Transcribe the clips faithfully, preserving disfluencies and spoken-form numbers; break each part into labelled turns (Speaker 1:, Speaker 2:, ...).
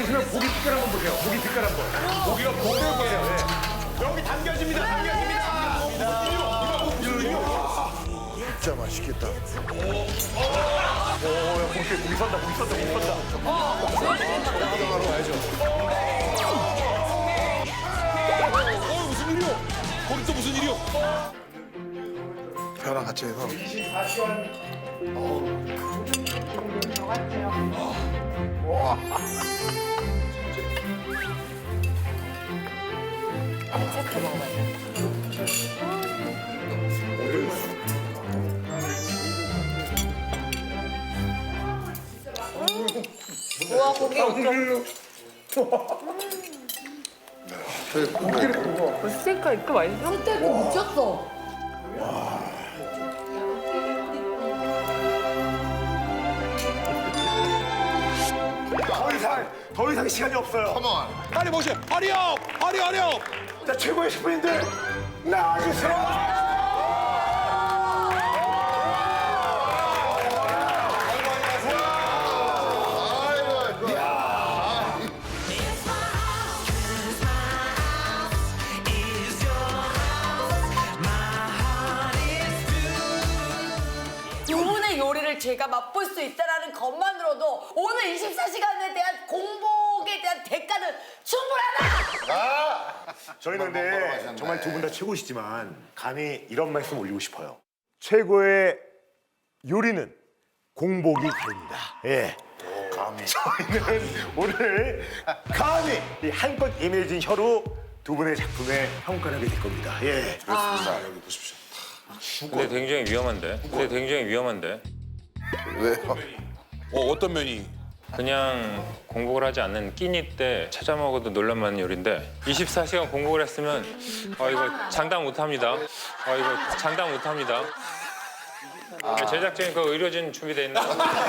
Speaker 1: 보시면 고기 빛깔 한번 보세요. 고기 빛깔 한번. 고기가 보여요. 네. 여기 당겨집니다. 당겨집니다.
Speaker 2: 진짜 맛있겠다.
Speaker 1: 오, 야, 고기, 고기 선다, 고기 선다, 고기 선다.
Speaker 2: 하러 가야죠.
Speaker 3: 어, 무슨 일이요? 거기 또 무슨 일이요?
Speaker 2: 회랑 같이 해서.
Speaker 1: 이십사 시간.
Speaker 4: 우와 고기 엄청. 스테이크가 이렇게 맛있어? 스테이크 미쳤어.
Speaker 1: 더 이상, 더 이상 시간이 없어요.
Speaker 2: 컴온.
Speaker 3: 빨리 모셔. 허리업! 허리 허리업!
Speaker 1: 자, 최고의 셰프님들 나와주세요.
Speaker 4: 두 분의 요리를 제가 맛볼 수 있다는 것만으로도 오늘 이십사 시간에 대한 공복에 대한 대가는 충분하다!
Speaker 1: 아, 저희는 근데 정말 두 분 다 최고시지만 감히 이런 말씀 올리고 싶어요. 최고의 요리는 공복이 다릅니다. 예.
Speaker 2: 감히.
Speaker 1: 저희는 오늘 감히 이 한껏 예민해진 혀로 두 분의 작품에 평가를 하게 될 겁니다. 예.
Speaker 2: 그렇습니다. 여기 보십시오.
Speaker 5: 근데 굉장히 위험한데? 근데 굉장히 위험한데?
Speaker 2: 왜요?
Speaker 3: 어, 어떤 면이?
Speaker 5: 그냥 공복을 하지 않는 끼니 때 찾아 먹어도 놀랄만한 요리인데 이십사 시간 공복을 했으면 아 이거 장담 못합니다. 아 이거 장담 못합니다. 제작진이 그 의료진 준비돼 있나?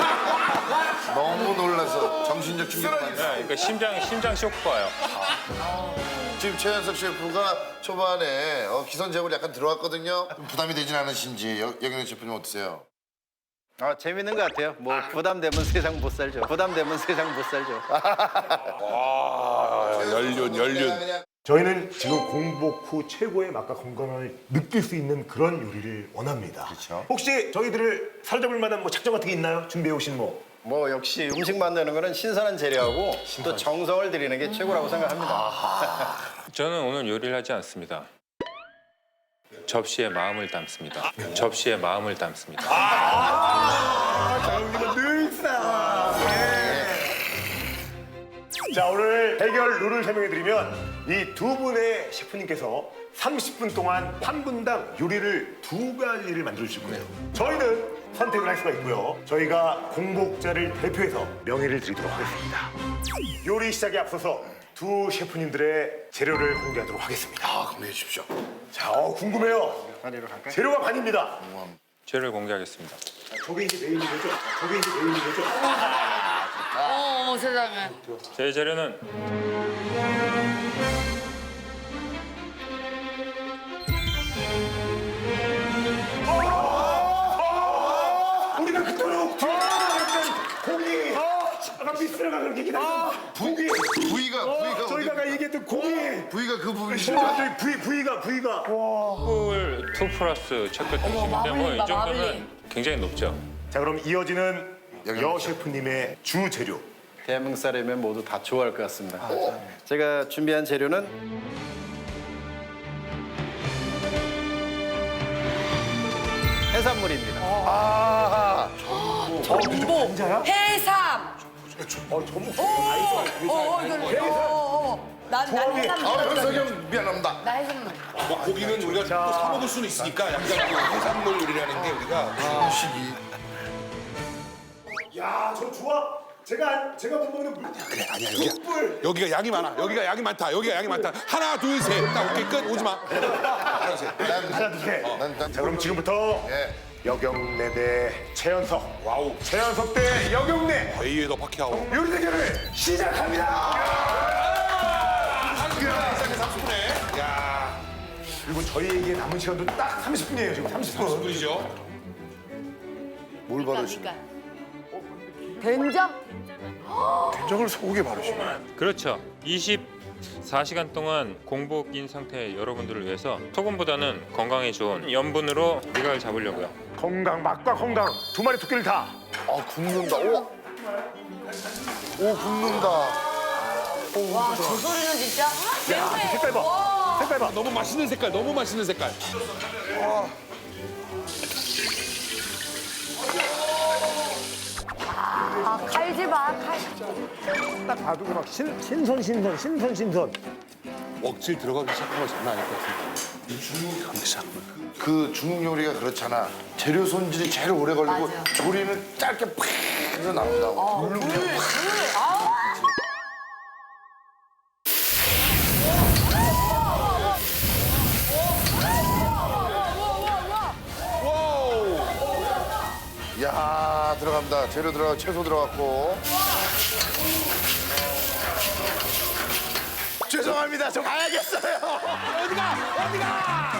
Speaker 2: 너무 놀라서 정신적 충격 받았어요.
Speaker 5: 네, 그러니까 심장 심장 쇼크가 와요.
Speaker 2: 지금 최현석 셰프가 초반에 어, 기선제압을 약간 들어왔거든요. 좀 부담이 되진 않으신지 여- 여경래 셰프님 어떠세요?
Speaker 6: 아 재밌는 것 같아요. 뭐 부담되면 세상 못 살죠. 부담되면 세상 못 살죠.
Speaker 3: 아, 연륜, 연륜.
Speaker 2: 그냥
Speaker 1: 저희는 지금 공복 후 최고의 맛과 건강을 느낄 수 있는 그런 요리를 원합니다.
Speaker 2: 그렇죠.
Speaker 1: 혹시 저희들을 사로잡을 만한 뭐 작전 같은 게 있나요? 준비해 오신 뭐?
Speaker 6: 뭐 역시 음식 만드는 거는 신선한 재료하고 또 정성을 들이는 게 최고라고 생각합니다.
Speaker 5: 저는 오늘 요리를 하지 않습니다. 접시에 마음을 담습니다. 접시에 마음을 담습니다.
Speaker 1: 장님은 늘상. 자, 오늘 대결 룰을 설명해드리면 이 두 분의 셰프님께서 삼십 분 동안 한 분당 요리를 두 가지를 만들어주실 거예요. 저희는 선택을 할 수가 있고요. 저희가 공복자를 대표해서 명예를 드리도록 하겠습니다. 요리 시작에 앞서서 두 셰프님들의 재료를 공개하도록 하겠습니다.
Speaker 2: 아, 공개해 주십시오.
Speaker 1: 자, 어, 궁금해요.
Speaker 6: 자리로 갈까요?
Speaker 1: 재료가 반입니다.
Speaker 5: 재료를 공개하겠습니다.
Speaker 1: 저게 이제 메인인 거죠? 저게 이제 메인인 거죠?
Speaker 4: 어 세상에.
Speaker 5: 제 재료는
Speaker 1: 우리가 그토록 기다렸던 고기! 아까 미스라가 그렇게 기다렸던 고기!
Speaker 2: 부위가 부위가
Speaker 1: 저희가 아까 얘기했던 고기!
Speaker 2: 부위가 그 부위입니다.
Speaker 1: 저희 부위, 부위가, 부위가.
Speaker 5: 꿀 투 플러스 체크 드시는데 뭐 이
Speaker 4: 마블링이다,
Speaker 5: 정도면
Speaker 4: 마블링.
Speaker 5: 굉장히 높죠.
Speaker 1: 자, 그럼 이어지는
Speaker 2: 여기
Speaker 1: 여 셰프님의 주 재료.
Speaker 6: 대한민국 사람이면 모두 다 좋아할 것 같습니다. 제가 준비한 재료는 해산물입니다.
Speaker 1: 아,
Speaker 4: 전복, 해삼.
Speaker 1: 어, 전복.
Speaker 4: 어, 어, 이거, 어, 어, 어. 난, 난
Speaker 1: 조합이-
Speaker 4: 해삼.
Speaker 2: 아, 현석이 형 미안합니다.
Speaker 4: 나 해삼.
Speaker 3: 뭐 고기는 우리가 또 사 먹을 수는 있으니까 약간 그 해산물 요리라는 게 우리가
Speaker 2: 음식이
Speaker 1: 야, 저 조합. 제가, 제가 못 먹는 물.
Speaker 3: 그래 아니야 여기야.
Speaker 1: 숯불.
Speaker 3: 여기가 양이 많아. 여기가 양이 많다. 여기가 양이 많다. 하나 둘 셋. 딱 오케이 끝. 오지 마. 하나 둘 셋.
Speaker 2: 난,
Speaker 1: 하나, 둘, 셋.
Speaker 2: 난, 난
Speaker 1: 자, 그럼 지금부터
Speaker 2: 예.
Speaker 1: 여경래 대 최현석.
Speaker 3: 와우.
Speaker 1: 최현석 대 여경래.
Speaker 3: 베이에더 파키아오.
Speaker 1: 요리 대결을 시작합니다.
Speaker 3: 삼십 분에. 야.
Speaker 1: 그리고 저희에게 남은 시간도 딱 삼십 분이에요, 지금 삼십 분.
Speaker 3: 분이죠.
Speaker 2: 뭘 받으시?
Speaker 4: 된장?
Speaker 3: 된장을 소고기에 바르시네.
Speaker 5: 그렇죠. 이십사 시간 동안 공복인 상태의 여러분들을 위해서 소금보다는 건강에 좋은 염분으로 미각을 잡으려고요.
Speaker 1: 건강, 맛과 건강 두 마리 토끼를 다.
Speaker 2: 아 굽는다. 오, 오 굽는다.
Speaker 4: 와, 저 소리는 진짜 냄새.
Speaker 1: 색깔 봐.
Speaker 4: 와.
Speaker 1: 색깔 봐.
Speaker 3: 너무 맛있는 색깔, 너무 맛있는 색깔.
Speaker 4: 아, 칼질 봐, 칼.
Speaker 1: 딱 봐도 막 신, 신선, 신선, 신선, 신선.
Speaker 3: 억질 들어가기 시작한 거 장난 아닐 것 같은데. 감기 시작하면.
Speaker 2: 그 중국 요리가 그렇잖아. 재료 손질이 제일 오래 걸리고
Speaker 4: 맞아.
Speaker 2: 조리는 짧게 팍 해서 나온다고.
Speaker 4: 물, 물. 아.
Speaker 2: 야 들어갑니다. 재료 들어가 채소 들어갔고. 죄송합니다. 저 가야겠어요.
Speaker 3: 어디가? 어디가?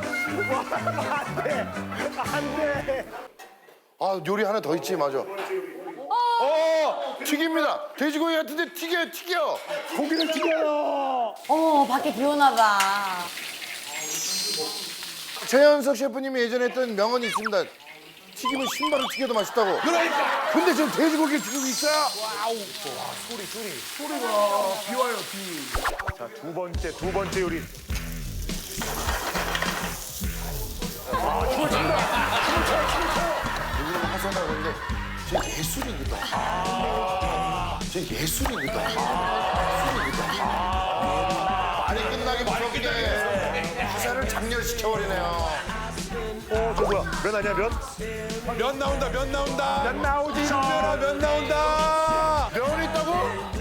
Speaker 1: 안 돼.
Speaker 2: 아 요리 하나 더 있지 맞아. 어 튀깁니다. 돼지고기 같은데 튀겨요 튀겨.
Speaker 1: 고기를 튀겨요.
Speaker 4: 어, 밖에 비 오나 봐.
Speaker 2: 최현석 셰프님이 예전에 했던 명언이 있습니다. 튀기면 신발을 튀겨도 맛있다고.
Speaker 3: 그러니까.
Speaker 2: 근데 지금 돼지고기를 튀기고 있어요.
Speaker 1: 자, 두 번째, 두 번째 요리. 아, 춤을 춘다.
Speaker 2: 여기는 하산하고 있는데 제 예술입니다. 아, 제 예술입니다. 아, 예술입니다. 아, 말이 끝나기 무섭게 하산을 장렬시켜버리네요.
Speaker 1: 어, 저 뭐야? 면 아니야, 면?
Speaker 3: 면 나온다, 면 나온다.
Speaker 1: 면 나오지.
Speaker 3: 신면아, 면 나온다.
Speaker 2: 면이 있다고?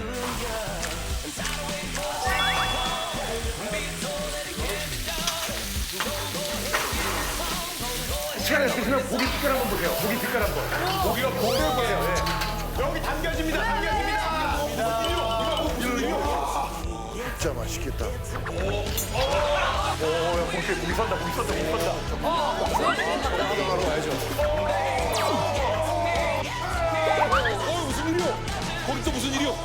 Speaker 1: 시간 있으시면 고기 빛깔 한번 보세요. 고기 빛깔 한번. 고기가 보세요, 보세요. 네. 여기 담겨집니다, 담겨집니다.
Speaker 2: 진짜 맛있겠다.
Speaker 1: 오, 야, 고기, 고기 선다, 고기 선다, 고기 선다.
Speaker 3: 어, 무슨 일이요? 거기 또 무슨 일이요?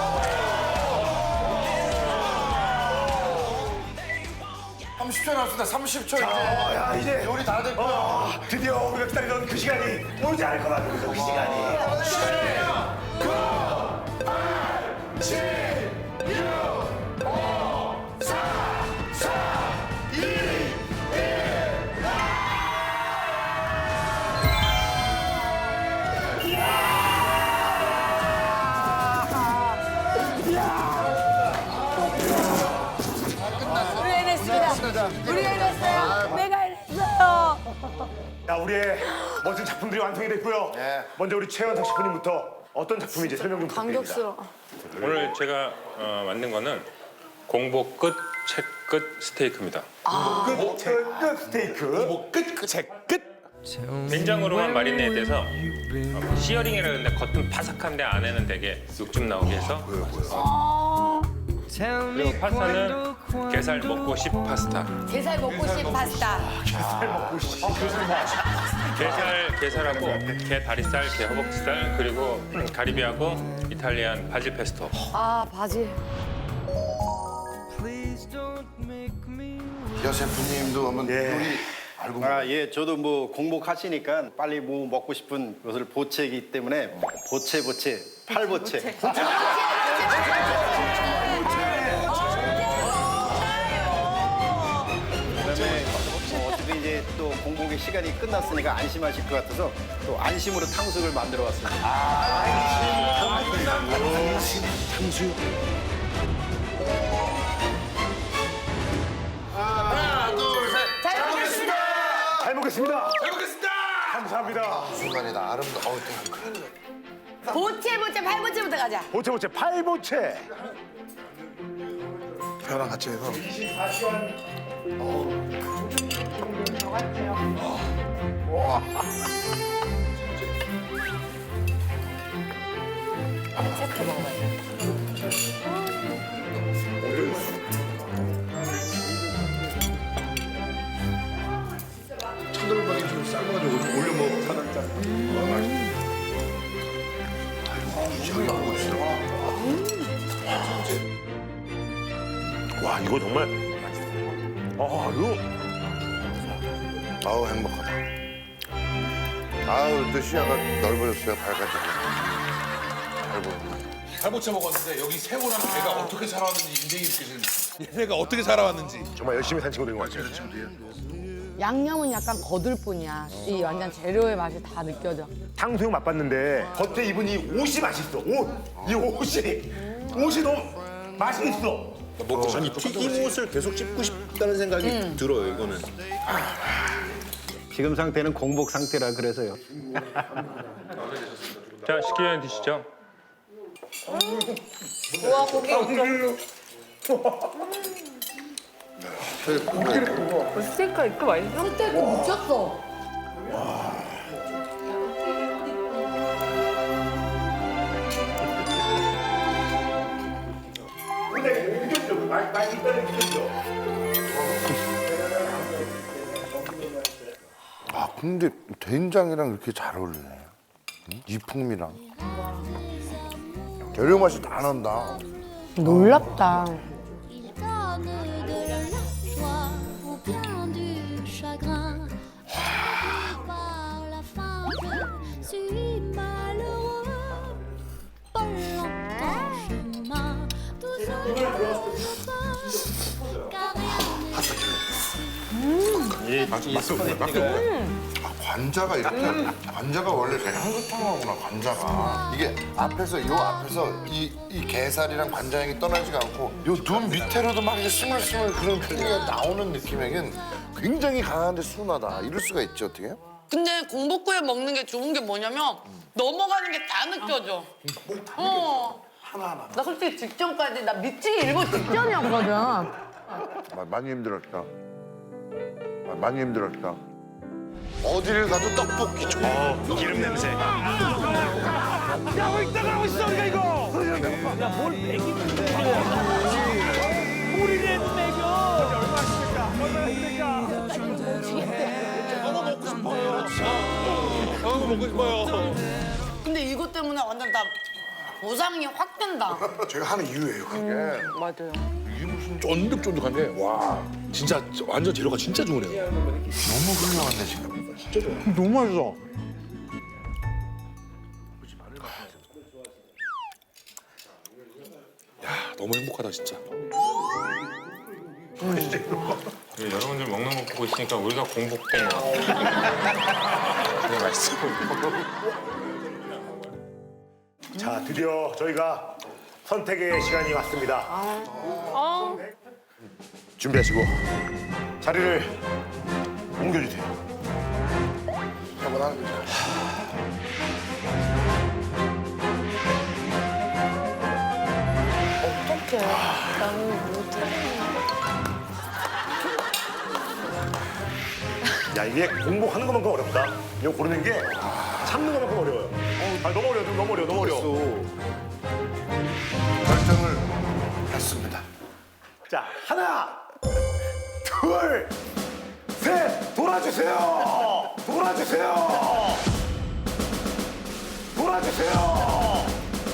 Speaker 2: 삼십 초 남았습니다. 삼십 초 이제
Speaker 1: 야, 이제
Speaker 2: 요리 다 됐고요.
Speaker 1: 어, 드디어 우리가 기다리던 그 시간이 오지 않을 것 같은 그 시간이.
Speaker 4: 우리 해냈습니다. 우리 해냈어요. 내가 해냈어요.
Speaker 1: 자, 우리의 멋진 작품들이 완성이 됐고요.
Speaker 2: 네.
Speaker 1: 먼저 우리 최현석 셰프님부터 어떤 작품인지 설명 좀 부탁드립니다.
Speaker 4: 감격스러워.
Speaker 5: 오늘 제가 어, 만든 거는 공복 끝, 책 끝 스테이크입니다.
Speaker 1: 끝, 끝, 끝 스테이크.
Speaker 3: 뭐 끝, 끝, 제 끝.
Speaker 5: 된장으로만 마리네이드해서 어, 시어링이라 그러는데 겉은 바삭한데 안에는 되게 육즙 나오게 해서 그리고 파스타는 게살 먹고 싶 파스타.
Speaker 4: 게살 먹고 싶 파스타.
Speaker 5: 게살, 게살하고 게 다리살, 게 허벅지살 그리고 가리비하고 이탈리안 바질 페스토.
Speaker 4: 아, 바질.
Speaker 2: 여 셰프님도 한번
Speaker 1: 예.
Speaker 2: 요리 알고
Speaker 6: 아, 예, 저도 뭐 공복하시니까 빨리 뭐 먹고 싶은 것을 보채기 때문에 보채 보채 팔보채. 그다음에 뭐 어차피 이제 또 공복의 시간이 끝났으니까 안심하실 것 같아서 또 안심으로 탕수육을 만들어 왔습니다.
Speaker 2: 하나 둘 셋.
Speaker 4: 잘 먹겠습니다.
Speaker 1: 잘 먹겠습니다.
Speaker 3: 잘 먹겠습니다.
Speaker 1: 감사합니다.
Speaker 2: 순간이다 아름다. 어우 큰일 났네.
Speaker 4: 보채 보채 팔보채부터 가자.
Speaker 1: 보채, 보채, 팔보채.
Speaker 2: 회랑 같이 해서. 차돌박이 좀 삶아가지고 올려 먹어 사장장.
Speaker 1: 와 이거 정말 아 이거
Speaker 2: 아우 행복하다. 아우 또 시야가 넓어졌어요. 밝아지고. 잘 보이네.
Speaker 3: 살보채 먹었는데 여기 새우랑 게가 어떻게 살아왔는지 인생이 느껴지는 느낌. 얘네가 어떻게 살아왔는지.
Speaker 1: 정말 열심히 산 친구들인 것 같아요.
Speaker 4: 양념은 약간 거들 뿐이야. 이 완전 재료의 맛이 다 느껴져.
Speaker 1: 탕수육 맛봤는데 겉에 입은 이 옷이 맛있어. 옷! 이 옷이 옷이 너무 맛이 있어.
Speaker 7: 아니 튀김옷을 계속 씹고 싶다는 생각이 들어요. 이거는.
Speaker 6: 지금 상태는 공복 상태라 그래서요.
Speaker 5: 자, 식기 전에 드시죠.
Speaker 4: 우와 고기 스테이크가 이렇게 맛있어? 스테이크 미쳤어.
Speaker 1: 근데 느꼈죠? 그 맛, 맛이 있다는 게 느꼈죠?
Speaker 2: 아 근데 된장이랑 이렇게 잘 어울리네. 응? 이 풍미랑. 재료 맛이 다 난다.
Speaker 4: 놀랍다.
Speaker 8: Il donne de la joie ou bien du chagrin. Par la fin, je suis malheureux. Pas longtemps chemin, tout seul car rien n'est
Speaker 2: 아, 관자가 이렇게 관자가 원래 되게 향긋하구나 관자가 이게 앞에서 요 앞에서 이, 이 게살이랑 관자향이 떠나지가 않고 요 눈 밑에로도 막 이게 스물스물 그런 풍미가 나오는 느낌에겐 굉장히 강한데 순하다 이럴 수가 있지 어떻게?
Speaker 9: 근데 공복후에 먹는 게 좋은 게 뭐냐면 넘어가는 게 다 느껴져. 어.
Speaker 4: 나 솔직히 직전까지 나 미치기 일보 직전이었거든.
Speaker 2: 마- 많이 힘들었다. 마- 많이 힘들었다. 어디를 가도 떡볶이 줘.
Speaker 1: 기름 냄새.
Speaker 3: 저거 먹고 싶어요.
Speaker 9: 근데 이것 때문에 완전 다 보상이 확 된다.
Speaker 2: 제가 하는 이유예요 그게.
Speaker 4: 맞아요.
Speaker 3: 이게 무슨 쫀득쫀득한데 와 진짜 완전 재료가 진짜 좋으네요.
Speaker 2: 너무 훌륭한데 지금.
Speaker 1: 너무 맛있어.
Speaker 3: 야 너무 행복하다 진짜.
Speaker 5: 네, 여러분들 먹는 거 보고 있으니까 우리가 공복된 거. 되게 맛있어.
Speaker 1: 자 드디어 저희가 선택의 시간이 왔습니다. 준비하시고 자리를 옮겨주세요.
Speaker 2: 한번 하는 거죠.
Speaker 4: 어떡해. 나는 못해.
Speaker 1: 야 이게 공복하는 것만큼 어렵다. 이거 고르는 게 참는 것만큼 어려워요. 아 너무 어려워, 너무 어려워, 너무 어려워.
Speaker 2: 결정을 했습니다.
Speaker 1: 자 하나, 둘, 셋, 돌아주세요. 돌아주세요. 돌아주세요.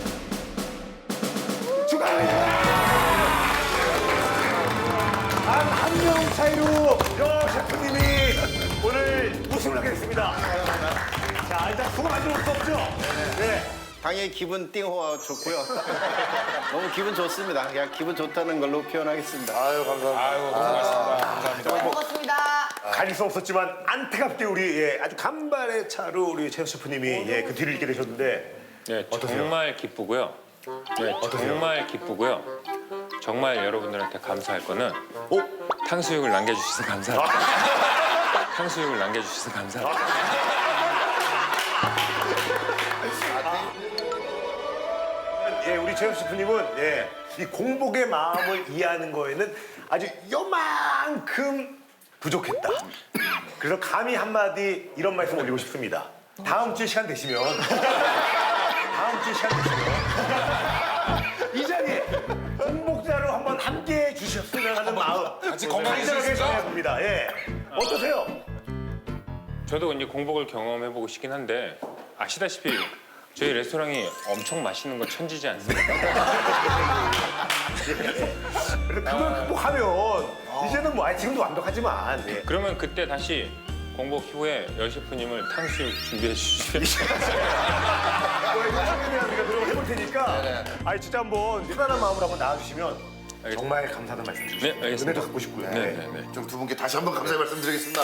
Speaker 1: 축하합니다. 한 명 차이로 여 셰프님이 오늘 우승을 하게 됐습니다. 자 일단 수고 많이 올 수 없죠. 네.
Speaker 6: 당연히 기분 띵 좋고요. 너무 기분 좋습니다. 그냥 기분 좋다는 걸로 표현하겠습니다.
Speaker 2: 아유 감사합니다.
Speaker 3: 아이고 고생하셨습니다. 감사합니다.
Speaker 4: 먹었습니다.
Speaker 1: 가질 수 없었지만 안타깝게 우리 예, 아주 간발의 차로 우리 최 셰프님이 예, 그 뒤를 잇게 되셨는데
Speaker 5: 네,
Speaker 1: 어떠세요?
Speaker 5: 정말 기쁘고요. 네, 정말 기쁘고요. 정말 여러분들한테 감사할 거는 탕수육을 남겨주셔서 감사합니다. 탕수육을 남겨주셔서 감사합니다.
Speaker 1: 예, 우리 최 셰프님은 예, 이 공복의 마음을 이해하는 거에는 아주 요만큼 부족했다. 그래서 감히 한마디 이런 말씀 올리고 싶습니다. 다음 주에 시간 되시면 다음 주에 시간 되시면 이 자리에 공복자로 한번 함께 해주셨으면 하는 마음
Speaker 3: 같이 건강해지겠습니까?
Speaker 1: 간절하게 전해봅니다. 예. 어떠세요?
Speaker 5: 저도 이제 공복을 경험해보고 싶긴 한데 아시다시피 저희 레스토랑이 엄청 맛있는 거 천지지 않습니까?
Speaker 1: 그래서 그걸 극복하면 이제는 뭐 아니, 지금도 완벽하지만 예.
Speaker 5: 그러면 그때 다시 공복 후에 여 셰프님을 탕수육 준비해 주시면
Speaker 1: 우리가 노력을 해볼 테니까 아니 진짜 한번 편안한 마음으로 한번 나와주시면
Speaker 5: 알겠습니다.
Speaker 1: 정말 감사하다는 말씀 주시고
Speaker 5: 네, 알겠습니다.
Speaker 1: 은혜도 갖고 싶고요.
Speaker 5: 네, 네, 네.
Speaker 2: 좀 두 분께 다시 한번 감사의 말씀드리겠습니다.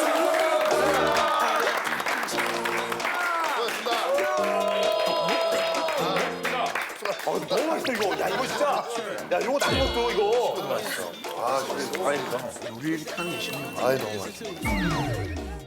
Speaker 1: 어, 너무 맛있다 이거. 야 이거 진짜. 야 이거 난 것도 이거.
Speaker 2: 아, 그래서. 아이, 너무 맛있어.